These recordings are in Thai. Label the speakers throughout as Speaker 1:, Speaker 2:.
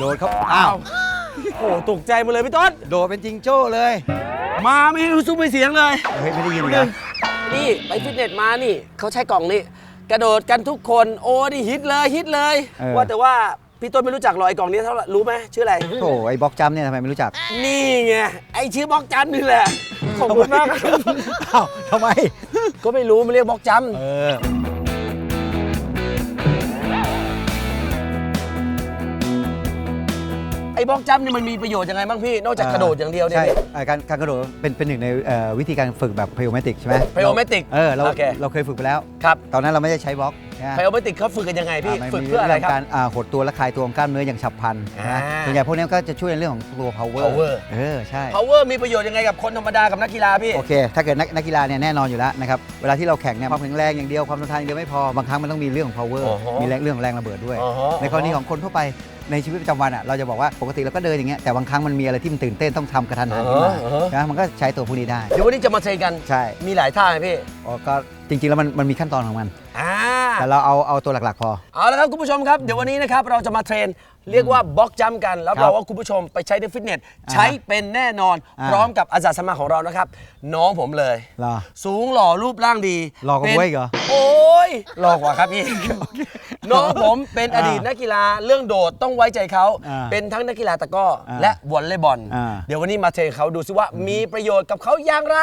Speaker 1: ดเขาอ้าว
Speaker 2: โอ้ตกใจมาเลยพี่ต้น
Speaker 1: โดดเป็นจิงโจ้เลย
Speaker 2: มาไม่รู้ซุ้มไม่เสียงเลย
Speaker 1: เฮ้ยไม่ได้ยินเลย
Speaker 2: นี่ไปฟิตเนสมานี่เขาใช้กล่องนี่กระโดดกันทุกคนโอ้นี่ฮิตเลยว่าแต่ว่าพี่ต้นไม่รู้จักหรอไอ้กล่องนี้เท่าไหร่รู้ไหมชื่ออะไร
Speaker 1: โอ้ไอ้บล็อกจัมป์เนี่ยทำไมไม่รู้จัก
Speaker 2: นี่ไงไอ้ชื่อบล็อกจัมนี่แหละขอบคุณมากครับ
Speaker 1: อ้าวทำไม
Speaker 2: ก็ไม่รู้มันเรียกบล็อกจัม
Speaker 1: เออ
Speaker 2: ไอ้บล็อกจัมนี่มันมีประโยชน์ยังไงบ้างพี่นอกจากกระโดดอย่างเดียวเนี่ย
Speaker 1: ใช่การกระโดดเป็นหนึ่งในวิธีการฝึกแบบเพลโอเมติกใช่ไหม
Speaker 2: เพลโอเมติก
Speaker 1: เรา
Speaker 2: โอเค
Speaker 1: เราเคยฝึกไปแล้ว
Speaker 2: ครับ
Speaker 1: ตอนนั้นเราไม่ได้ใช้บล็อกนะ
Speaker 2: เพลโอเมติกเขาฝึกกันยังไงพี่
Speaker 1: มัน
Speaker 2: ฝึก
Speaker 1: มี
Speaker 2: เพื่ออะไรครับ
Speaker 1: การหดตัวและคลายตัวของกล้ามเนื้ออย่างฉับพลันนะ
Speaker 2: อ่า
Speaker 1: ส่วนใหญ่พวกนี้ก็จะช่วยในเรื่องของตัว power
Speaker 2: power
Speaker 1: ใช่
Speaker 2: power มีประโยชน์ยังไงกับคนธรรมดากับนักกีฬาพี่
Speaker 1: โอเค ถ้าเกิดนักกีฬาเนี่ยแน่นอนอยู่แล้วนะครับ เวลาที่เราแข่งเนี่ยความแข็งแรงอย่างเดียวความทนทานอย่างเดียวไม่พอ บางครั้งมันต้องมีเรื่องของ power
Speaker 2: อ๋อฮะ
Speaker 1: มีเรื่องของแรงระเบิดด้วย
Speaker 2: อ๋อฮะ
Speaker 1: ในกรณีของคนทั่วไปในชีวิตประจำวันอ่ะเราจะบอกว่าปกติเราก็เดินอย่างเงี้ย แต่บางครั้งมันมีอะไรที่มันตื่นเต้นต้องทำกระทันหันขึ้นมา
Speaker 2: อ๋อฮะ
Speaker 1: นะมันก็ใช้ตัวพวกนี้ได้
Speaker 2: เดี๋ยววันนี้จะมาเทรนกัน
Speaker 1: ใช่
Speaker 2: มีหลายท่าไหมพี่
Speaker 1: ก็จริงๆแล้วมันมีขั้นตอนของมัน
Speaker 2: อ่า
Speaker 1: แต่เราเอาตัวหลักๆพอ
Speaker 2: เอาละครับคุณผู้ชมครับเดี๋ยววันนี้นะครับเราจะมาเทรนเรียกว่าบล็อกจัมป์กันรับรองว่าคุณผู้ชมไปใช้ในฟิตเนสใช้เป็นแน่นอน พร้อมกับอาจารย์สมาของเรานะครับน้องผมเลย
Speaker 1: เหรอ
Speaker 2: สูงหล่อรูปร่างดี
Speaker 1: หล่อกว่า
Speaker 2: ป็น
Speaker 1: บ๊วยอีกเหรอ
Speaker 2: โอ้ยหล่อกว่าครับพี่ น้องผมเป็นอดีต
Speaker 1: อ่า
Speaker 2: นักกีฬาเรื่องโดดต้องไว้ใจเขา
Speaker 1: อ่า
Speaker 2: เป็นทั้งนักกีฬาตะกร้ออา และวอลเลย์บอล
Speaker 1: อ่า
Speaker 2: เดี๋ยววันนี้มาเทรนเขาดูซิว่ามีประโยชน์กับเขาอย่างไร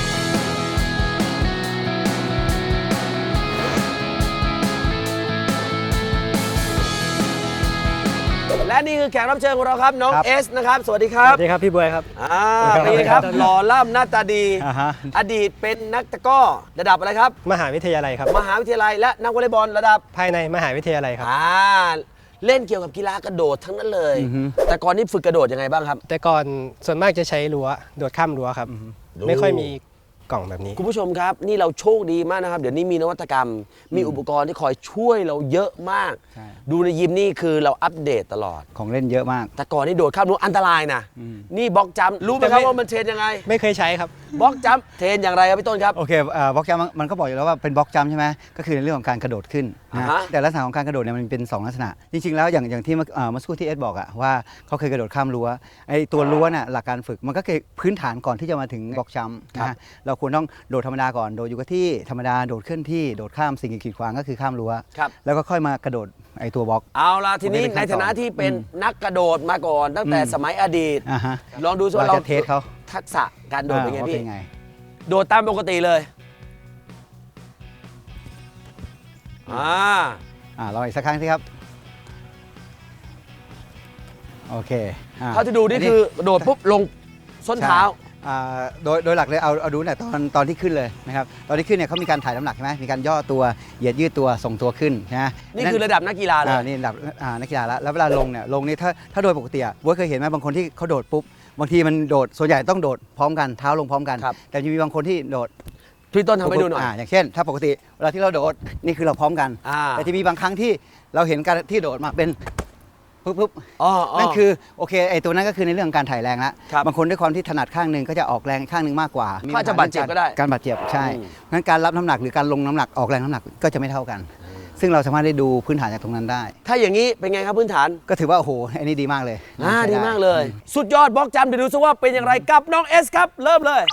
Speaker 2: และนี่คือแขกรับเชิญของเราครับน้อง
Speaker 1: ครับ
Speaker 2: เอสนะครับสวัสดีครับ
Speaker 3: สวัสดีครับพี่บวยครับ
Speaker 2: เป็นไงครับหล่อล่ำหน้าตาดี
Speaker 1: อ่าฮะ
Speaker 2: อดีตเป็นนักตะกร้อระดับอะไรครับ
Speaker 3: มหาวิทยาลัยครับ
Speaker 2: มหาวิทยาลัยและนักวอลเลย์บอลระดับ
Speaker 3: ภายในมหาวิทยาลัยครับ
Speaker 2: เล่นเกี่ยวกับกีฬากระโดดทั้งนั้นเลย
Speaker 1: อือฮึ
Speaker 2: แต่ก่อนนี้ฝึกกระโดดยังไงบ้างครับ
Speaker 3: แต่ก่อนส่วนมากจะใช้รั้วโดดข้ามรั้วครับ ไม่ค่อยมีกล่องแบบนี้
Speaker 2: คุณผู้ชมครับนี่เราโชคดีมากนะครับ เดี๋ยวนี้มีนวัตกรรม มีอุปกรณ์ที่คอยช่วยเราเยอะมาก
Speaker 1: ใช่
Speaker 2: ดูในยิมนี่คือเราอัปเดตตลอด
Speaker 1: ของเล่นเยอะมาก
Speaker 2: แต่ก่อนนี่โดดข้ามรั้วอันตรายนะนี่บล็อกจัมป์รู้ไหมครับว่ามันเทรนยังไง
Speaker 3: ไม่เคยใช้ครับ
Speaker 2: บล็อกจัมป์เทรนอย่างไรครับพี่ต้นครับ
Speaker 1: โอเคบล็อกจัมป์มันก็บอกอยู่แล้วว่าเป็นบล็อกจัมป์ใช่ไหมก็คือในเรื่องของการกระโดดขึ้นนะ
Speaker 2: อ่าฮะ
Speaker 1: แต่ลักษณะของการกระโดดเนี่ยมันเป็น 2 ลักษณะ จริงๆแล้วอย่างที่เมื่อสักครู่ที่เอสบอกอะว่าเขาเคยกระโดดข้ามรั้วไอ้ตัวรั้วน่ะหลักการฝึกมันก็คือพื้นฐานก่อนที่จะมาถึงบล็อกจัมป์นะเราควรต้องโดดธรรมดาก่อนโดดอยู่กับที่ธรรมดาโดดเคลื่อนที่โดดข้ามสิ่งกีดขวางก็คือข้ามรั้ว
Speaker 2: ครับ
Speaker 1: แล้วก็ค่อยมากระโดดไอ้ตัวบล็อก
Speaker 2: เอาล่ะทีนี้
Speaker 1: ผมไม่
Speaker 2: ใน
Speaker 1: เป็นขั้นตอน
Speaker 2: ฐานะที่เป็นนักกระโดดมาก่อน ตั้งแต่สมัยอดีต
Speaker 1: อ่าฮะ
Speaker 2: ลองดูสิว่า
Speaker 1: เราจะเทสเขา
Speaker 2: ทักษะการโดดเป็นไง
Speaker 1: ว่า
Speaker 2: พี่
Speaker 1: เป็นไง
Speaker 2: โดดตามปกติเลย
Speaker 1: ลองอีกสักครั้งสิครับ โอเค
Speaker 2: เขาจะดูนี่คือโดดปุ๊บลงส้นเท้า
Speaker 1: โดยหลักเลยเอาดูเนี่ยตอนที่ขึ้นเลยนะครับตอนที่ขึ้นเนี่ยเขามีการถ่ายน้ำหนักใช่ไหมมีการย่อตัวเหยียดยืดตัวส่งตัวขึ้นนะ
Speaker 2: นี่คือระดับนักกีฬาเลย
Speaker 1: นี่ระดับนักกีฬาแล้วเวลาลงนี่ถ้าโดยปกติอ่ะบ๊วยเคยเห็นไหมบางคนที่เขาโดดปุ๊บบางทีมันโดดส่วนใหญ่ต้องโดดพร้อมกันเท้าลงพร้อมกัน
Speaker 2: ครับ
Speaker 1: แต่จะมีบางคนที่โดด
Speaker 2: พี่ต้นทำให้ดูหน่อย
Speaker 1: อย่างเช่น ถ้าปกติเวลาที่เราโดดนี่คือเราพร้อมกัน แต่จะมีบางครั้งที่เราเห็นการที่โดดมาเป็นปุ๊บ นั่นคือโอเคไอ้ตัวนั้นก็คือในเรื่องของการถ่ายแรงละ
Speaker 2: ครับ
Speaker 1: บางคนด้วยความที่ถนัดข้างหนึ่งก็จะออกแรงข้างหนึ่งมากกว่า
Speaker 2: เขาอาจจะบาดเจ็บก็ได้
Speaker 1: การบาดเจ็บใช่งั้นการรับน้ำหนักหรือการลงน้ำหนักออกแรงน้ำหนักก็จะไม่เท่ากัน ซึ่งเราสามารถได้ดูพื้นฐานจากตรงนั้นได้
Speaker 2: ถ้าอย่างนี้เป็นไงครับพื้นฐาน
Speaker 1: ก็ถือว่าโอ้โหอันนี้ดีมากเลยใช้
Speaker 2: ดี
Speaker 1: ไ
Speaker 2: มากเลย สุดยอดบล็อกจัมป์เดี๋ยวดูซิว่าเป็นอย่างไรกับน้องเอสครับ เริ่มเลย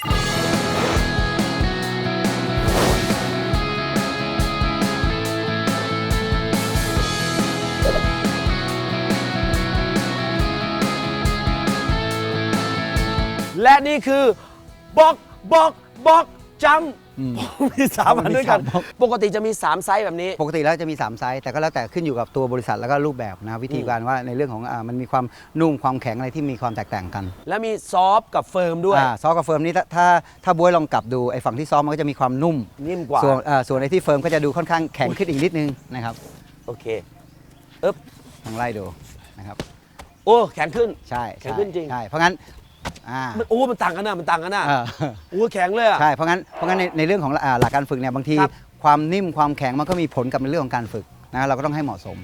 Speaker 2: และนี่คือบล็อกจัมป์มี3อันด้วยกัน ปกติจะมี 3 ไซส์แบบนี้
Speaker 1: ปกติแล้วจะมี 3 ไซส์แต่ก็แล้วแต่ขึ้นอยู่กับตัวบริษัทแล้วก็รูปแบบนะวิธีการว่าในเรื่องของมันมีความนุ่มความแข็งอะไรที่มีความแตกต่างกัน
Speaker 2: และมีซอฟต์กับเฟิร์มด้วย
Speaker 1: ซอฟต์กับเฟิร์มนี่ถ้าบ๊วยลองกลับดูไอ้ฝั่งที่ซอฟต์มันก็จะมีความนุ่ม
Speaker 2: นิ่มกว่า
Speaker 1: ส่วนไอ้ที่เฟิร์มก็จะดูค่อนข้างแข็งขึ้นอีกนิดนึงนะครับ
Speaker 2: โอเคอึ๊บ
Speaker 1: ลองไล่ดูนะครับ
Speaker 2: โอ้แข็งขึ้น
Speaker 1: ใช่
Speaker 2: แข็งขึ้นจริง
Speaker 1: ใช่เพราะงั้น
Speaker 2: มันต่างกันนะ
Speaker 1: เออ
Speaker 2: โอ้แข็งเลยอะ
Speaker 1: ใช่เพราะงั้นในเรื่องของหลักการฝึกเนี่ยบางที
Speaker 2: ครับ
Speaker 1: ความนิ่มความแข็งมันก็มีผลกับในเรื่องของการฝึกนะเราก็ต้องให้เหมาะสม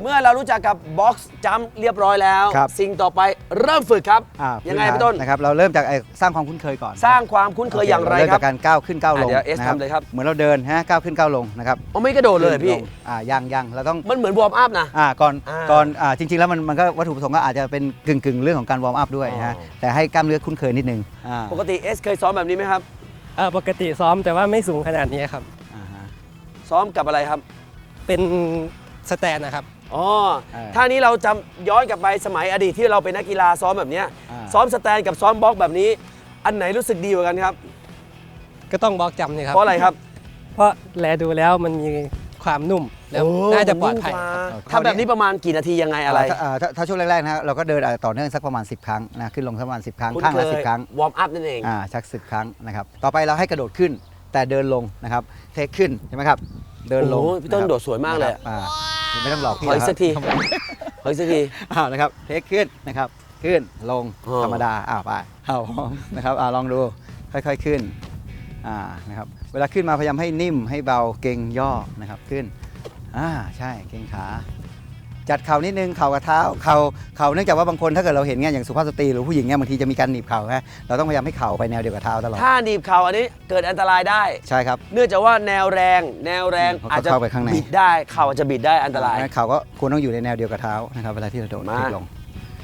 Speaker 2: เมื่อเรารู้จักกับบ็อกซ์จัมป์เรียบร้อยแล้ว
Speaker 1: ครับ
Speaker 2: สิ่งต่อไปเริ่มฝึกครับ ยังไง
Speaker 1: พื้
Speaker 2: พี่ต้น
Speaker 1: นะครับเราเริ่มจากสร้างความคุ้นเคยก่อน
Speaker 2: สร้างความคุ้นเคยอย่างไร
Speaker 1: เริ่ม
Speaker 2: ครั
Speaker 1: จา
Speaker 2: บ
Speaker 1: กการก้าวขึ้นก้าวลง
Speaker 2: เดี๋ยวเอส
Speaker 1: นะ
Speaker 2: ทำเลยครับ
Speaker 1: เหมือนเราเดินฮะก้าวขึ้นก้าวลงนะครับ
Speaker 2: อ๋อไม่กระโดดเลยพี่
Speaker 1: ขึ้นงยังเราต้อง
Speaker 2: มันเหมือนวอร์มอัพนะ
Speaker 1: ก่อน
Speaker 2: อ่า
Speaker 1: ก่อนจริงๆแล้วมันก็วัตถุประสงค์ก็อาจจะเป็นกึ่งเรื่องของการวอร์มอัพด้วย
Speaker 2: อ๋อ
Speaker 1: ฮะแต่ให้กล้ามเนื้อคุ้นเคยนิดนึง
Speaker 2: ปกติเอสเคยซ้อมแบบนี้ไหมครับ
Speaker 3: ปกติซ้อมแต่ว่าไม่สูงขนาดนี้ครับ
Speaker 2: ซ้อมกับอะไรครับ
Speaker 3: เป็นสแตนนะครับ
Speaker 2: อ๋อท่านี้เราจำย้อนกลับไปสมัยอดีตที่เราเป็นนักกีฬาซ้อมแบบเนี้ยซ้อมสแตนกับซ้อมบล็อกแบบนี้ อันไหนรู้สึกดีกว่ากันครับ
Speaker 3: ก็ต้องบล็อกจำนี่ครับ
Speaker 2: เพราะอะไรครับ
Speaker 3: เพราะแลดูแล้วมันมีความนุ่มแล้วน่าจะปลอดภัยครับ
Speaker 2: ทำแบบนี้ประมาณกี่นาทียังไงอะไร
Speaker 1: ถ้าช่วงแรกๆนะเราก็เดินต่อเนื่องสักประมาณ 10 ครั้งนะขึ้นลงสักประมาณ10 ครั้ง
Speaker 2: คุ้น
Speaker 1: ข้าง
Speaker 2: เค
Speaker 1: ละ
Speaker 2: ย
Speaker 1: 10 ครั้ง
Speaker 2: วอร์มอัพนั่นเอง
Speaker 1: ชัก10 ครั้งนะครับต่อไปเราให้กระโดดขึ้นแต่เดินลงนะครับเทคขึ้นใช่ไหมครับเดินลง
Speaker 2: โอ้โหพี่ต้นโดดสวยมากเลย
Speaker 1: ไม่ต้องหลอกพี่
Speaker 2: ขออีกสักที
Speaker 1: ครับ
Speaker 2: ขออีกสักที
Speaker 1: นะครับเทคขึ้นนะครับขึ้นลง
Speaker 2: อ๋อ
Speaker 1: ธรรมดาไปนะครับลองดูค่อยๆขึ้นนะครับเวลาขึ้นมาพยายามให้นิ่มให้เบาเก่งย่อนะครับขึ้นใช่เก่งขาจัดเข่านิดนึงเข่ากับเท้าเข่าเนื่องจากว่าบางคนถ้าเกิดเราเห็นเนี่ยอย่างสุภาพสตรีหรือผู้หญิงเนี่ยบางทีจะมีการหนีบเข่าฮะเราต้องพยายามให้เข่าไปแนวเดียวกับเท้าตลอด
Speaker 2: ถ้าหนีบเข่าอันนี้เกิดอันตรายได้
Speaker 1: ใช่ครับ
Speaker 2: เนื่องจากว่าแนวแรง
Speaker 1: เขาก็
Speaker 2: อาจจะ
Speaker 1: เข้าไปข้างใน
Speaker 2: บิดได้เข่าอาจจะบิดได้อันตราย
Speaker 1: เข่าก็ควรต้องอยู่ในแนวเดียวกับเท้านะครับเวลาที่เราโดด
Speaker 2: มา
Speaker 1: พลิกลง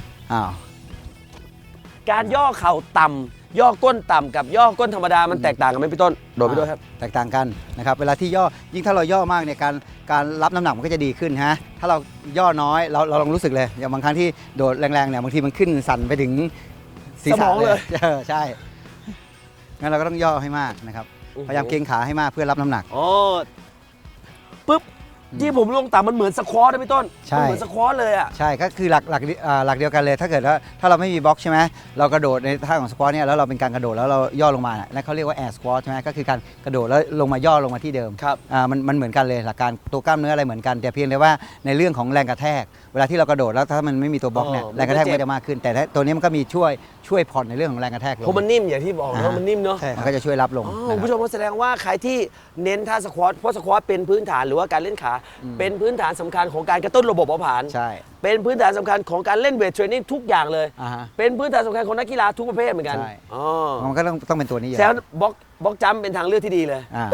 Speaker 2: การย่อเข่าต่ำย่อก้นต่ำกับย่อก้นธรรมดามันแตกต่างกันไหมพี่ต้นโดดไปด้วยครับ
Speaker 1: แตกต่างกันนะครับเวลาที่ย่อยิ่งถ้าเราย่อมากเนี่ยการรับน้ำหนักมันก็จะดีขึ้นฮะถ้าเราย่อน้อยเราลองรู้สึกเลยอย่างบางครั้งที่โดดแรงๆเนี่ยบางทีมันขึ้นสั่นไปถึงศีร
Speaker 2: ส
Speaker 1: ษะ
Speaker 2: มองเลย
Speaker 1: ใช่งั้นเราก็ต้องย่อให้มากนะครับพยายามเกรงขาให้มากเพื่อรับน้ำหนัก
Speaker 2: อ๋อปุ๊บที่ผมลงต่ำมันเหมือนสควอตนะพี่ต้น
Speaker 1: ใช่
Speaker 2: มันเหมือนสควอตเลยอ่ะ
Speaker 1: ใช่ก็คือหลักเดียวกันเลย ถ้าเกิดว่าถ้าเราไม่มีบล็อกใช่ไหมเรากระโดดในท่าของสควอตเนี่ยแล้วเราเป็นการกระโดดแล้วเราย่อลงมานั่นเขาเรียกว่าแอร์สควอตใช่ไหมก็คือการกระโดดแล้วลงมาย่อลงมาที่เดิม
Speaker 2: ครับ
Speaker 1: มันเหมือนกันเลยหลักการตัวกล้ามเนื้ออะไรเหมือนกันแต่เพียงแต่ว่าในเรื่องของแรงกระแทก เวลาที่เรากระโดดแล้วถ้ามันไม่มีตัวบล็อกเนี่ย
Speaker 2: อ๋อ
Speaker 1: แรงกระแทก
Speaker 2: มันก็เจ็บ
Speaker 1: ไม่ได้มากขึ้น แต่ถ้าตัวนี้มันก็มีช่วยผ่อนในเรื่องของแรงกระแทกลง
Speaker 2: เพราะมันนิ่มอย่างที่บอกนะมันนิ่มเนาะ
Speaker 1: ใช่มันก็จะช่วยรับลง
Speaker 2: อ๋อ
Speaker 1: นะ
Speaker 2: คุณ
Speaker 1: ค
Speaker 2: ผู้
Speaker 1: รับ
Speaker 2: ชมก็แสดงว่าใครที่เน้นท่าสควอตเพราะสควอตเป็นพื้นฐานหรือว่าการเล่นขา เป็นพื้นฐานสำคัญของการกระตุ้นระบบเผาผลาญ
Speaker 1: ใช่
Speaker 2: เป็นพื้นฐานสำคัญของการเล่นเวทเทรนนิ่งทุกอย่างเลย
Speaker 1: ฮะ
Speaker 2: เป็นพื้นฐานสำคัญของนักกีฬาทุกประเภทเหมือนกัน
Speaker 1: ใช่
Speaker 2: อ๋อ
Speaker 1: มันก็ต้องเป็นตัวนี้อยู่
Speaker 2: แซวบล็อกจัมป์เป็นทางเลือกที่ดีเลย
Speaker 1: อ่า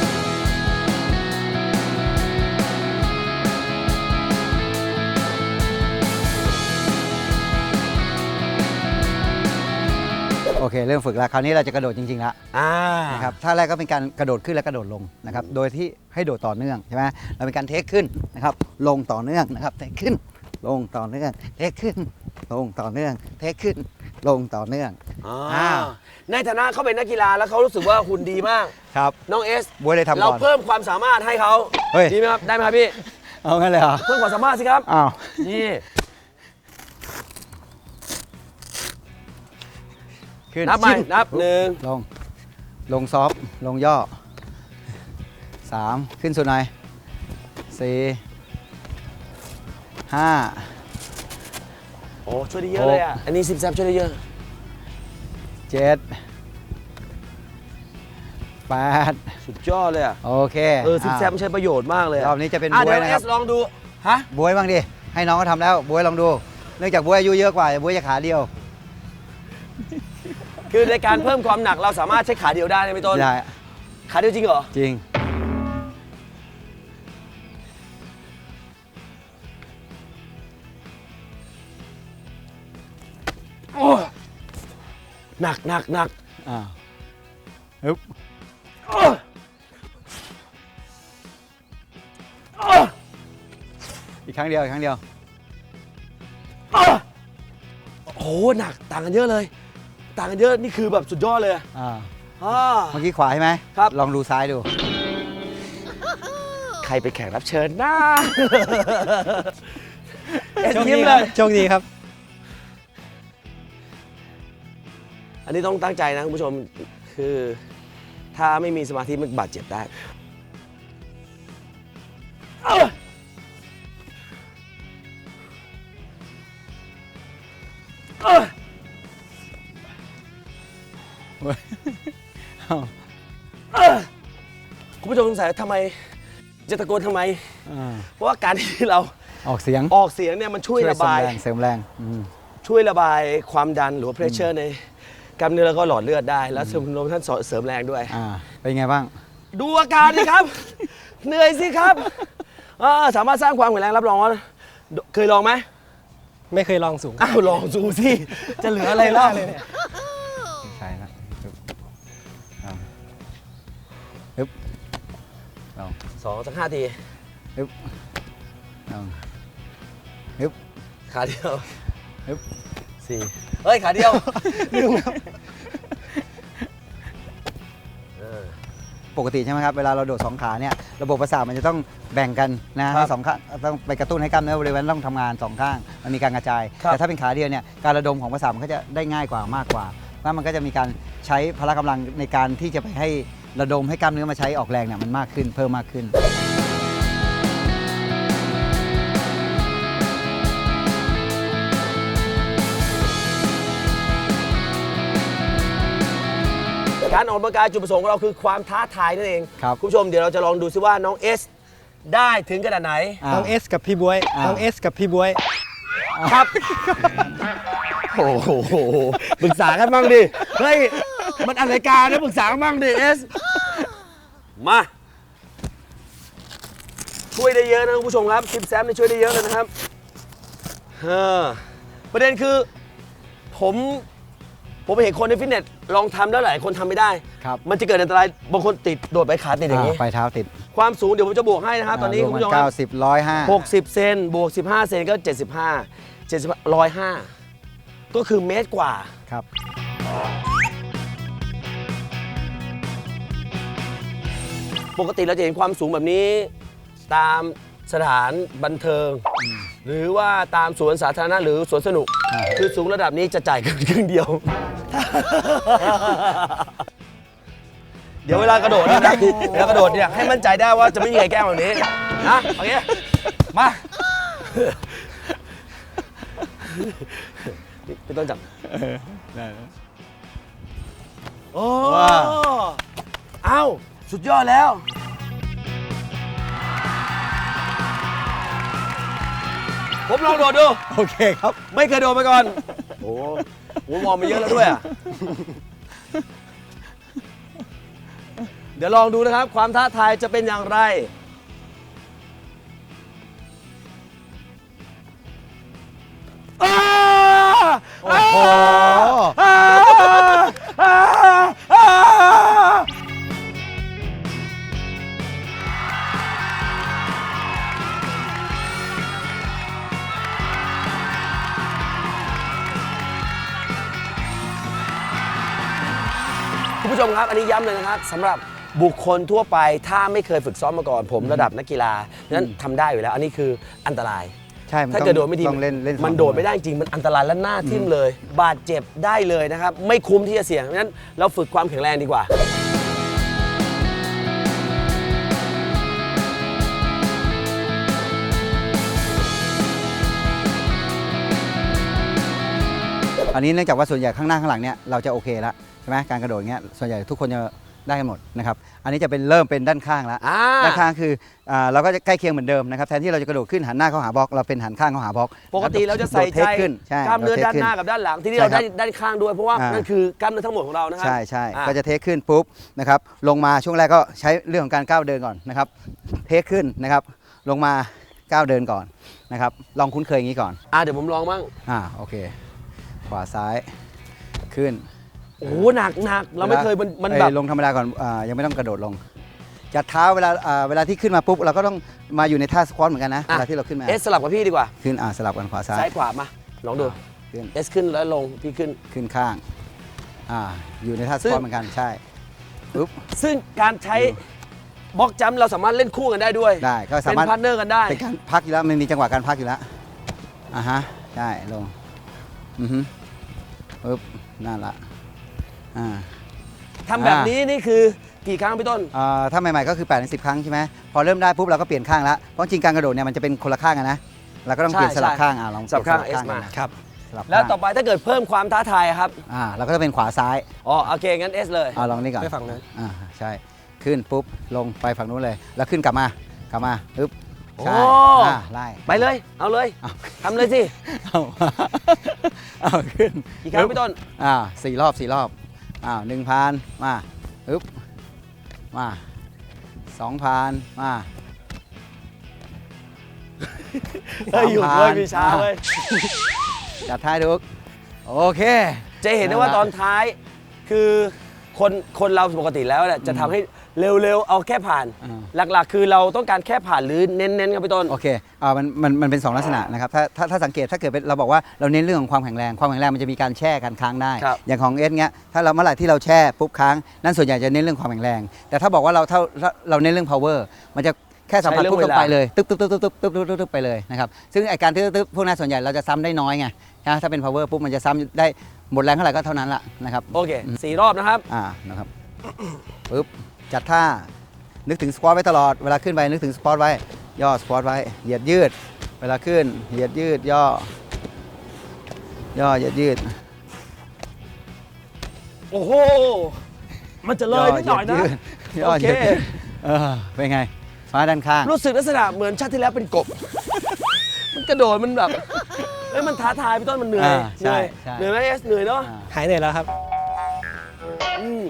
Speaker 1: โอเคเริ่มฝึกแล้วคราวนี้เราจะกระโดดจริงๆแล้ว นะครับท่าแรกก็เป็นการกระโดดขึ้นและกระโดดลงนะครับโดยที่ให้โดดต่อเนื่องใช่ไหมเราเป็นการเทคขึ้นนะครับลงต่อเนื่องนะครับเทคขึ้นลงต่อเนื่องเทคขึ้นลงต่อเนื่องเทคขึ้นลงต่อเนื่อง
Speaker 2: ในฐานะเขาเป็นนักกีฬาแล้วเขารู้สึกว่าหุ่นดีมาก
Speaker 1: ครับ
Speaker 2: น้องเอส
Speaker 1: บ๊วยเลยทำก่อน
Speaker 2: เราเพิ่มความสามารถให้เขา
Speaker 1: เฮ้ย
Speaker 2: ดีไหมครับได้ไหมครับพี่
Speaker 1: เอางั้นเลยเหรอ
Speaker 2: เพิ่มความสามารถสิครับ
Speaker 1: อ้าว
Speaker 2: นี่
Speaker 1: ขึ้น
Speaker 2: นับใหม่
Speaker 1: ชิ่
Speaker 2: นับหนึ่ง
Speaker 1: ลงซอฟต์ลงย่อ3ขึ้นสุดหน่อย4 5
Speaker 2: โอ้ช่วยได้เยอะเลยอ่ะอันนี้10 แซมช่วยได้เยอะ
Speaker 1: 7 8
Speaker 2: สุดยอดเลยอ่ะ
Speaker 1: โอเค
Speaker 2: 10 แซมใช้ประโยชน์มากเลยะ
Speaker 1: รอบนี้จะเป็น
Speaker 2: อ่
Speaker 1: บ๊วย
Speaker 2: เดี๋ยว
Speaker 1: นะ
Speaker 2: เอ
Speaker 1: ครับ
Speaker 2: สลองดูฮะ
Speaker 1: บ๊วยบ้างดิให้น้องเขาทำแล้วบ๊วยลองดูเนื่องจากบ๊วยอายุเยอะกว่าบ๊วยจะขาเดียว
Speaker 2: คือในการเพิ่มความหนักเราสามารถใช้ขาเดียวได้ไหมพี่ต้น
Speaker 1: ได้
Speaker 2: ขาเดียวจริงเหรอ
Speaker 1: จริง
Speaker 2: หนัก
Speaker 1: ฮึบอีกครั้งเดียว
Speaker 2: โอ้โหหนักต่างกันเยอะเลย ต่างกันเยอะนี่คือแบบสุดยอดเลย
Speaker 1: อ่า
Speaker 2: อ่า
Speaker 1: เมื่อกี้ขวาใช่ไหม
Speaker 2: ครับ
Speaker 1: ลองดูซ้ายดู
Speaker 2: ใครเป็นแขกรับเชิญนะ
Speaker 3: โชค
Speaker 2: ยิ้
Speaker 3: ดี
Speaker 2: ม
Speaker 3: ค
Speaker 2: เล
Speaker 3: รับ
Speaker 2: ย
Speaker 3: โชคดีครับ
Speaker 2: อันนี้ต้องตั้งใจนะคุณผู้ชมคือถ้าไม่มีสมาธิมันบาดเจ็บได้ คุณผู้ชมสงสัยทำไมจะตะโกนทำไม เพราะว่าการที่เรา
Speaker 1: ออกเสียง
Speaker 2: ออกเสียงเนี่ยมันช่วยระบาย
Speaker 1: เสริมแรง
Speaker 2: ช่วยระบายความดันหรือว่าเพรสเชอร์ในกล้ามเนื้อแล้วก็หลอดเลือดได้ แล้วรวมทั้งเสริมแรงด้วย
Speaker 1: เป็นไงบ้าง
Speaker 2: ดูอาการดิครับ เหนื่อยสิครับสามารถสร้างความแข็งแรงรับรองว่าเคยลองไหม
Speaker 3: ไม่เคยลองสูง
Speaker 2: อ้าวลองดูสิจะเหลืออะไรเล่า
Speaker 1: ใช่นะฮึบลอง
Speaker 2: 2 สัก 5 ที
Speaker 1: ฮึบลองฮึบ
Speaker 2: ขาเดียว
Speaker 1: ฮึบ
Speaker 2: 4เฮ้ยขาเดียวลืมครับ
Speaker 1: ปกติใช่ไหมครับเวลาเราโดด2ขาเนี่ยระบบประสาทมันจะต้องแบ่งกันนะให้2ข้างต้องไปกระตุ้นให้กล้ามเนื้อบริเวณต้องทำงาน2ข้างมันมีการกระจายแต่ถ้าเป็นขาเดียวเนี่ยการระดมของประสาทมันก็จะได้ง่ายกว่ามากกว่าแล้วมันก็จะมีการใช้พละกำลังในการที่จะไปให้ระดมให้กล้ามเนื้อมาใช้ออกแรงเนี่ยมันมากขึ้นเพิ่มมากขึ้น
Speaker 2: การออกกำลังกายจุดประสงค์ของเราคือความท้าทายนั่นเอง
Speaker 1: ครับ
Speaker 2: ณผู้ชมเดี๋ยวเราจะลองดูซิว่าน้องเอสได้ถึงขนาดไหน
Speaker 3: น้องเอสกับพี่บ๊วยน้องเอสกับพี่บ๊วย
Speaker 2: ครับ โอ้โหปรึกษากันบ้างดิ เฮ้ย มันอะไรการนะปรึกษากันบ้างดิเอส มา ช่วยได้เยอะนะคุณผู้ชมครับซิปแซมนี่ช่วยได้เยอะเลยนะครับประเด็นคือผมเห็นคนในฟิตเนสลองทำแล้วหลายคนทำไม่ได้
Speaker 1: ครับ
Speaker 2: มันจะเกิดอันตรายบางคนติดโดดไปขาติดอย่างนี้
Speaker 1: ปลายเท้าติด
Speaker 2: ความสูงเดี๋ยวผมจะบวกให้นะครับ ตอนนี้คุณผู้ชมครับ
Speaker 1: 90 105
Speaker 2: 60 เซนบวก 15 เซนก็ 75 105 ก็คือเมตรกว่า
Speaker 1: ครับ
Speaker 2: ปกติเราจะเห็นความสูงแบบนี้ตามสถานบันเทิง หรือว่าตามสวนสาธารณะหรือสวนสนุก คือสูงระดับนี้จะจ่ายครึ่งเดียว เดี๋ยวเวลากระโดดเนี่ยนะเวลากระโดดเนี่ยให้มั่นใจได้ว่าจะไม่มีใครแกล้งแบบนี้นะโอเคมาไม่ต้องจับโอ้เอ้าสุดยอดแล้ว ผมลองโดดดู
Speaker 1: โอเคครับ
Speaker 2: ไม่เคยโดดมาก่อน โอ้โหมองมาเยอะแล้วด้วยอ่ะ เดี๋ยวลองดูนะครับ ความท้าทายจะเป็นอย่างไร
Speaker 1: โอ้โห
Speaker 2: คุณผู้ชมครับ อันนี้ย้ำเลยนะครับสำหรับบุคคลทั่วไปถ้าไม่เคยฝึกซ้อมมาก่อนผมระดับนักกีฬานั้นทำได้อยู่แล้ว อันนี้คืออันตราย
Speaker 1: ใช่มัน
Speaker 2: ถ้าเกิดโดดไม่ดี
Speaker 1: ต้องเล่น
Speaker 2: มันโดดไม่ได้จริงมันอันตรายและหน้าทิ่มเลย บาดเจ็บได้เลยนะครับ ไม่คุ้มที่จะเสี่ยงเพราะฉะนั้นเราฝึกความแข็งแรงดีกว่า
Speaker 1: อันนี้เนื่องจากว่าส่วนใหญ่ข้างหน้าข้างหลังเนี่ยเราจะโอเคแล้วใช่ไหมการกระโดดอย่างเงี้ยส่วนใหญ่ทุกคนจะได้กันหมดนะครับอันนี้จะเป็นเริ่มเป็นด้านข้างแล้วด้านข้างคือเราก็จะใกล้เคียงเหมือนเดิมนะครับแทนที่เราจะกระโดดขึ้นหันหน้าเข้าหาบล็อกเราเป็นหันข้างเข้าหาบล็อก
Speaker 2: ปกติเราจะใส่
Speaker 1: โดดเท
Speaker 2: ใจ
Speaker 1: คขึ้นใช่
Speaker 2: กล้ามเนื้อ
Speaker 1: โดดทค
Speaker 2: ด้าน
Speaker 1: ขึ้
Speaker 2: หน้ากับด้านหลังที่นี่เรา
Speaker 1: ใช่
Speaker 2: ได้
Speaker 1: ครับ
Speaker 2: ด้านข้างด้วยเพราะว่า
Speaker 1: อ่านั่
Speaker 2: นั่นคือกล้ามเนื้อทั้งหมดของเรานะครั
Speaker 1: ใช่ใช่
Speaker 2: อ่า
Speaker 1: ก็จะเทคขึ้นปุ๊บนะครับลงมาช่วงแรกก็ใช้เรื่องของการก้าวเดินก่อนนะครับเทคขึ้นนะครับลงมาก้าวเดินก่อนนะครับลองคุ้นเคยอย่างนี้ก่อน
Speaker 2: เดี๋ยวผมลองบ้าง
Speaker 1: โอเคขวาซ้ายขึ้น
Speaker 2: โอ้โหหนักเราไม่เคยมันแบบ
Speaker 1: ลงธรรมดาก่อนยังไม่ต้องกระโดดลงจัดเท้าเวลาที่ขึ้นมาปุ๊บเราก็ต้องมาอยู่ในท่าสควอตเหมือนกันนะเวลาที่เราขึ้นมา
Speaker 2: เอสสลับกับพี่ดีกว่า
Speaker 1: ขึ้นสลับกันขวาซ้าย
Speaker 2: ซ้ายขวามาลองดู
Speaker 1: ขึ้น
Speaker 2: เอสขึ้นแล้วลงพี่ขึ้น
Speaker 1: ขึ้นข้างอยู่ในท่าส
Speaker 2: ซึ่
Speaker 1: คว
Speaker 2: ง
Speaker 1: อตเหมือนกันใช่ปุ๊บ
Speaker 2: ซึ่งการใช้บล็อกจัมป์เราสามารถเล่นคู่กันได้ด้วย
Speaker 1: ได้ก็สา
Speaker 2: เป็น
Speaker 1: มารถ
Speaker 2: พาร์ทเนอร์กันได้
Speaker 1: เป็นการพักอยู่แล้วมันมีจังหวะการพักอยู่แล้วใช่ลงปุ๊บนั่นละ
Speaker 2: ทำแบบนี้นี่คือกี่ครั้งพี่ต้น
Speaker 1: ถ้าใหม่ๆก็คือ8ถึง10 ครั้งใช่ไหมพอเริ่มได้ปุ๊บเราก็เปลี่ยนข้างแล้วเพราะจริงการกระโดดเนี่ยมันจะเป็นคนละข้างกันนะเราก็ต้องเปลี่ยน
Speaker 2: ใช่
Speaker 1: สลับข้างลอง
Speaker 2: สลับข้าง
Speaker 1: ปลี่ยน
Speaker 2: S มา
Speaker 1: กัน
Speaker 3: ครับ
Speaker 1: สลับ
Speaker 2: แล้ว
Speaker 1: ข้าง
Speaker 2: ต่อไปถ้าเกิดเพิ่มความท้าทายครับ
Speaker 1: เราก็จะเป็นขวาซ้าย
Speaker 2: โอเคงั้นเอสเลย
Speaker 1: ลองนี่ก่อน
Speaker 3: ไปฝั่งนั้น
Speaker 1: ใช่ขึ้นปุ๊บลงไปฝั่งนู้นเลยแล้วขึ้นกลับมาปึ๊บ
Speaker 2: โอ้
Speaker 1: ใช่ไล่
Speaker 2: ไปเลย เอาเลยทำเลยสิ
Speaker 1: เอาเอาขึ้น
Speaker 2: กี่ครั้งพี่ต้น
Speaker 1: 4 รอบ1,000มาปึ๊บมา2,000มา
Speaker 2: เฮ้ยอยู่ด้วยพี่ช้าเว้ย
Speaker 1: จัดท้ายทุกโอเค
Speaker 2: จะเห็นได้ว่าตอนท้ายคือคนเราปกติแล้วเนี่ยจะทำให้เร็วๆเอาแค่ผ่าน หลักๆ คือเราต้องการแค่ผ่านหรือเน้นๆครับพี่ต้น
Speaker 1: โอเคมันเป็น 2 ลักษณะนะครับถ้าสังเกตถ้าเกิดเราบอกว่าเราเน้นเรื่องของความแข็งแรงมันจะมีการแช่กันค้างได้
Speaker 2: ครับ
Speaker 1: อย่างของเอสเงี้ยถ้าเราเมื่อไหร่ที่เราแช่ปุ๊บค้างนั่นส่วนใหญ่จะเน้นเรื่องความแข็งแรง แต่ถ้าบอกว่าเราเน้นเรื่อง power มันจะแค่สัมผัสปุ๊บต้องไปเลยตึ๊บไปเลยนะครับซึ่งไอการตึ๊บพวกนั้นส่วนใหญ่เราจะซ้ำได้น้อยไงนะถ้าเป็น power ปุ๊บมันจะซ้ำได้หมดแรงเท่าไหร่ก็เท่านั้นละนะครับ
Speaker 2: โอเค4 รอบนะครับ
Speaker 1: นะครับปุ๊บจัดท่านึกถึงสควอตไว้ตลอดเวลาขึ้นไปนึกถึงสควอตไว้ย่อสควอตไว้เหยียดยืดเวลาขึ้นเหยียดยืดย่อเหยียดยืด
Speaker 2: โอ้โห มันจะเลยนิดหน่อยนะ
Speaker 1: ย่อเหยียดยืดเป็นไงฟ้าด้านข้าง
Speaker 2: รู้สึกลักษณะเหมือนชาติที่แล้วเป็นกบ มันกระโดดมันแบบเอ้ยมันท้าทายพี่ต้นมันเหนื่อย
Speaker 1: ใช่
Speaker 2: เหนื่อยไหมเอสเหนื่อยเนาะ
Speaker 3: หายเหนื่อยแล้วครับ
Speaker 2: อืม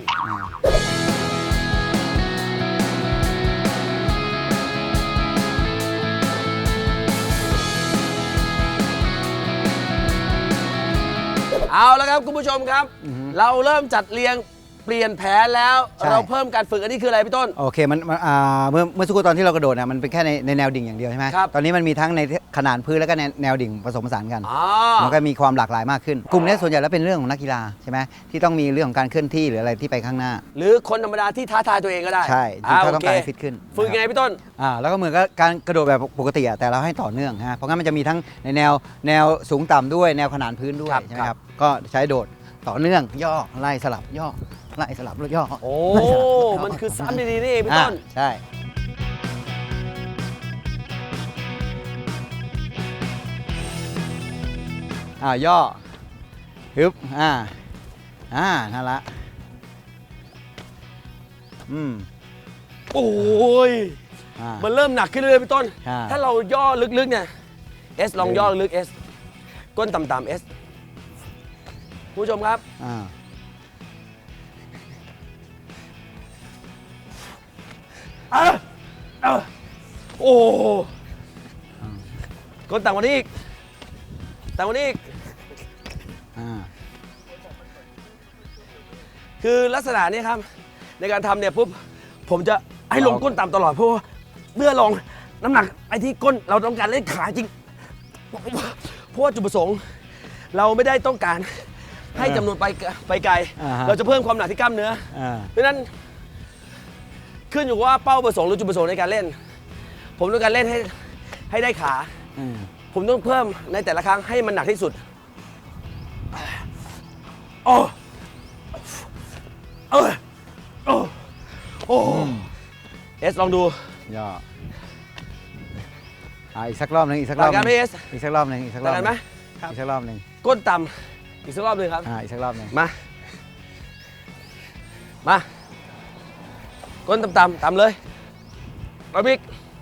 Speaker 2: เอาแล้วครับคุณผู้ชมครับ เราเริ่มจัดเรียงเปลี่ยนแผนแล้ว
Speaker 1: ใช่
Speaker 2: เราเพิ่มการฝึกอันนี้คืออะไรพี่ต้น
Speaker 1: โอเคมันเมื่อสักครู่ตอนที่เรากระโดดนะมันเป็นแค่ในแนวดิ่งอย่างเดียวใช่ไหม
Speaker 2: ครับ
Speaker 1: ตอนนี้มันมีทั้งในขนานพื้นแล้วก็ในแนวดิ่งผสมผสานกัน
Speaker 2: อ๋อ
Speaker 1: มันก็มีความหลากหลายมากขึ้น กลุ่มนี้ส่วนใหญ่แล้วเป็นเรื่องของนักกีฬาใช่ไหมที่ต้องมีเรื่องของการเคลื่อนที่หรืออะไรที่ไปข้างหน้า
Speaker 2: หรือคนธรรมดาที่ท้าทายตัวเองก็ได้
Speaker 1: ใช่ที่เขาต้องการ
Speaker 2: โ
Speaker 1: ให้ฟิตขึ้น
Speaker 2: ฝึกยังไงพี่ต้น
Speaker 1: แล้วก็เหมือนกับการกระโดดแบบปกติแต่เราให้ต่อเนื่องเพราะงั้นมันจะมีทั้งในแนวสูงต่ำด้วยแนวขนานพื้นด้วย
Speaker 2: ครับ
Speaker 1: ใช่ไหมครับก็ใช้โดดต่อเนื่องย่อไล่สลับย่อไล่สลับแล้วย่อ
Speaker 2: โอ้
Speaker 1: ไล่สลับย่
Speaker 2: มันคือซ้ำดีๆนี่เองพี่ต้น
Speaker 1: ใช่ย่อฮึบนั่นละ
Speaker 2: โอ้ย มันเริ่มหนักขึ้นเรื่อยๆพี่ต้น
Speaker 1: ใช่
Speaker 2: ถ้าเราย่อลึกๆเนี่ยเอสลองย่อลึกเอสก้นต่ำๆเอสผู้ชมครับ โอ้ก้นต่ำกว่านี้อีกต่ำกว่านี้อีกคือลักษณะนี้ครับ ในการทำเนี่ยปุ๊บผมจะให้ลงก้นต่ำตลอดเพราะว่าเพื่อลองน้ำหนักไอ้ที่ก้นเราต้องการเล่นขาจริงเพราะว่าจุดประสงค์ เราไม่ได้ต้องการให้จำนวนไปไกล เราจะเพิ่มความหนักที่กล้ามเนื้อเพราะฉะนั้นขึ้นอยู่ว่าเป้าประสงค์หรือจุดประสงค์ในการเล่น ผมต้องการเล่นให้ได้ขาผมต้องเพิ่มในแต่ละครั้งให้มันหนักที่สุดโอ้เอสลองดู
Speaker 1: ย่ออีกสักรอบหนึ่งอีกสักรอบห
Speaker 2: ต่างกันไหม
Speaker 1: นึ่ง
Speaker 2: เอส
Speaker 1: อีกสักรอบหนึ่งอีกสักรอบ
Speaker 2: ต่างกันไหม
Speaker 1: อีกสักรอบหนึ่ง
Speaker 2: ก้นต่ำอีกสักรอบหนึ่งครับ
Speaker 1: อีกสักรอบหนึ่ง
Speaker 2: มาก้นต่ำเลยมาบิ๊ก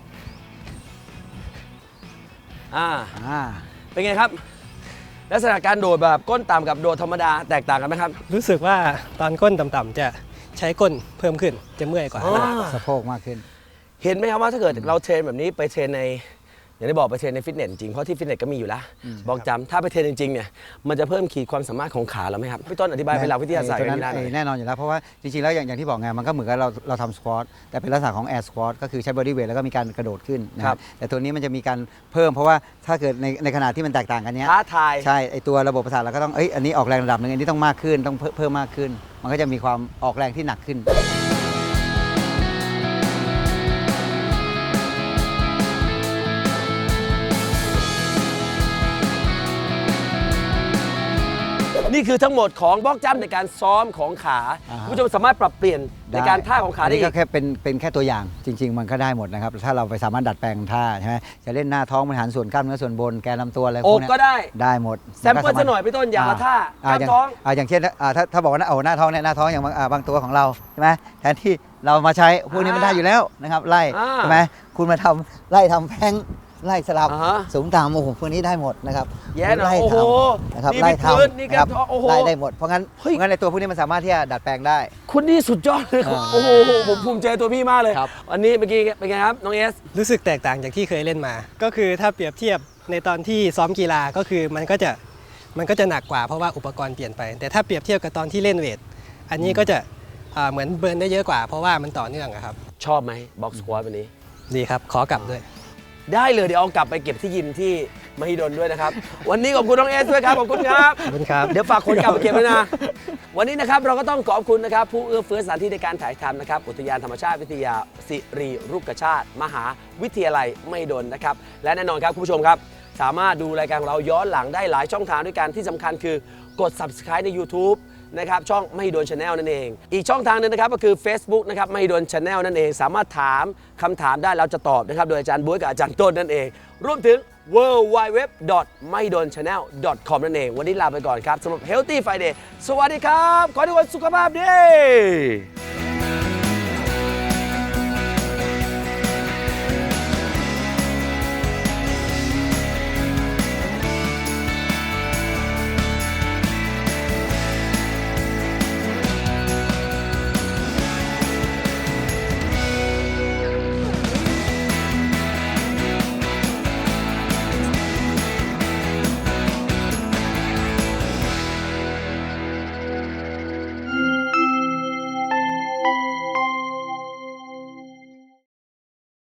Speaker 2: เป็นไงครับ ลักษณะการโดดแบบก้นต่ำกับโดดธรรมดาแตกต่างกันไหมครับ
Speaker 3: รู้สึกว่าตอนก้นต่ำๆจะใช้ก้นเพิ่มขึ้นจะเมื่อยกว่า
Speaker 1: สะโพกมากขึ้น
Speaker 2: เห็นไหมครับว่าถ้าเกิดเราเทรนแบบนี้ไปเทรนในอย่างที่บอกไปเทรนในฟิตเนสจริงเพราะที่ฟิตเนสก็มีอยู่แล้วบอกจำถ้าไปเทรนจริงๆเนี่ยมันจะเพิ่มขีดความสามารถของขาเราไหมครับพี่ต้นอธิบายเป็นหลักวิทยาศาสตร์
Speaker 1: ตัว
Speaker 2: กั
Speaker 1: นั้น น
Speaker 2: ได้หน่อย
Speaker 1: แน่นอนอยู่แล้วเพราะว่าจริงๆแล้วอย่างที่บอกไงมันก็เหมือนกับเราทำสควอตแต่เป็นลักษณะของแอร์สควอตก็คือใช้บอดี้เวทแล้วก็มีการกระโดดขึ้นนะครับแต่ตัวนี้มันจะมีการเพิ่มเพราะว่าถ้าเกิดในขณะที่มันแตกต่างกันเนี้ย
Speaker 2: ท้าทาย
Speaker 1: ใช่ไอตัวระบบประสาทเราก็ต้องอันนี้ออกแรงระดับหนึ่งอันนี้ต้องมากขึ้นต้องเพิ่มมากขึ้น มันก็จะมีความออกแรงที่หนักขึ้น
Speaker 2: นี่คือทั้งหมดของบล็อกจัมป์ในการซ้อมของขาคุณผู้ชมสามารถปรับเปลี่ยนในการท่าของขา
Speaker 1: อัน
Speaker 2: ได้
Speaker 1: นี้
Speaker 2: อี
Speaker 1: ก็
Speaker 2: ก
Speaker 1: แค่เป็นแค่ตัวอย่างจริง ๆ มันก็ได้หมดนะครับถ้าเราไปสามารถดัดแปลงท่าใช่ไหมจะเล่นหน้าท้องบริหารส่วนกล้ามเนื้อส่วนบนแกนลำตัวอะไรพ
Speaker 2: อ
Speaker 1: วก
Speaker 2: ก
Speaker 1: นี้
Speaker 2: ก็ได้
Speaker 1: ได้หมด
Speaker 2: แซมเปิลซะหน่อยพี่ต้นอย่างละท่ากล้าม
Speaker 1: ย่าง
Speaker 2: ท้อง
Speaker 1: อย่างเช่นถ้าบอกว่าหน้าท้องเนี่ยหน้าท้องอย่างบางตัวของเราใช่ไหมแทนที่
Speaker 4: เรามาใช้พวกนี้มันได้อยู่แล้วนะครับไล่
Speaker 2: อ่า
Speaker 4: ใช่ไหมคุณมาทำไล่ทำแพงไล่สลับ
Speaker 2: อ่าฮะ
Speaker 4: สูงต่ำโอ้โหพวกนี้ได้หมดนะครับ
Speaker 2: แย่หน่อย
Speaker 4: ไล่
Speaker 2: โอ้โห
Speaker 4: ทำนะครับ
Speaker 2: นี่
Speaker 4: ไล่
Speaker 2: วิดพื้น
Speaker 4: ทำ
Speaker 2: นี่
Speaker 4: นะ
Speaker 2: แก
Speaker 4: ครับ
Speaker 2: โอ้โห
Speaker 4: ไล่ได้หมดเพราะงั้น
Speaker 2: เฮ้ย
Speaker 4: ในตัวพวกนี้มันสามารถที่จะดัดแปลงได้
Speaker 2: คุณนี่สุดยอดเลย
Speaker 4: อ่า
Speaker 2: โอ้โหผมภูมิใจตัวพี่มากเลย
Speaker 4: ครับ
Speaker 2: วันนี้เมื่อกี้เป็นไงครับน้องเอส
Speaker 3: รู้สึกแตกต่างจากที่เคยเล่นมา ก็คือถ้าเปรียบเทียบในตอนที่ซ้อมกีฬาก็คือมันก็จะหนักกว่าเพราะว่าอุปกรณ์เปลี่ยนไป แต่ถ้าเปรียบเทียบกับตอนที่เล่นเวท อันนี้ก็จะเหมือนเบิร์นได้เยอะกว่าเพราะว่ามันต่อเนื่องอะครับ
Speaker 2: ชอบไหมบ็อกซ์สควอตวันนี้
Speaker 3: ดีครับ ขอกลับด้วย
Speaker 2: ได้เลยเดี๋ยวเอากลับไปเก็บที่ยิมที่มหิดลด้วยนะครับ วันนี้ขอบคุณน้องเอสด้วยครับขอบคุณครับ
Speaker 3: ขอบคุณครับ
Speaker 2: เดี๋ยวฝากคนกลับไปเก็บไว้นะ วันนี้นะครับเราก็ต้องขอบคุณนะครับผู้เอื้อเฟื้อสถานที่ในการถ่ายทำนะครับอุทยานธรรมชาติวิทยาสิริรุกชาติ มหาวิทยาลัยมหิดลนะครับและแน่นอนครับคุณผู้ชมครับ สามารถดูรายการของเราย้อนหลังได้หลายช่องทางด้วยกันที่สำคัญคือกด subscribe ใน YouTube นะครับช่องมหิดล Channel นั่นเอง อีกช่องทางหนึงนะครับก็คือ Facebook นะครับมหิดล Channel นั่นเองสามารถถามคำถามได้เราจะตอบนะครับโดยอาจารย์บ๊วยกับอาจารย์ต้นนั่นเอง รวมถึง www.mahidolchannel.com นั่นเอง วันนี้ลาไปก่อนครับสำหรับ Healthy Friday สวัสดีครับ ขอให้ทุกคนสุขภาพดี